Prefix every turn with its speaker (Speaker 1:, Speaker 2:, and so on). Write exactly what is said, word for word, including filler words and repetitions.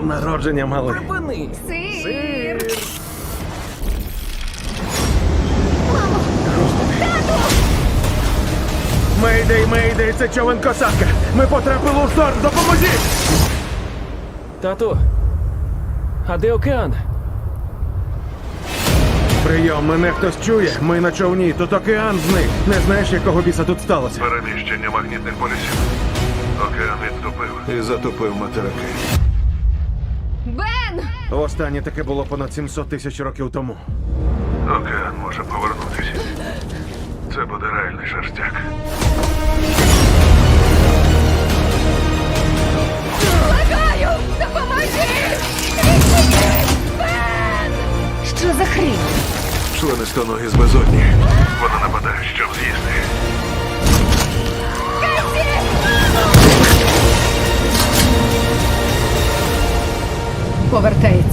Speaker 1: днем народження, малий.
Speaker 2: Припини!
Speaker 3: Сир!
Speaker 1: Мейдей, мейдей, це човен косатка. Ми потрапили у шторм, допоможіть!
Speaker 2: Тату, а де океан?
Speaker 1: Прийом, мене хтось чує. Ми на човні, тут океан зник. Не знаєш, якого біса тут сталося?
Speaker 4: Переміщення магнітних полюсів. Океан відтопив і затопив материки.
Speaker 3: Бен!
Speaker 1: Останнє таке було понад сімсот тисяч років тому.
Speaker 4: Океан може повернутися. Це буде реальний шерстяк.
Speaker 3: Благаю! Допоможи! Відчиніть! Бен! Що за хрінь?
Speaker 4: Членистоногі з безодні. Вона нападає, щоб з'їсти.
Speaker 3: Повертається.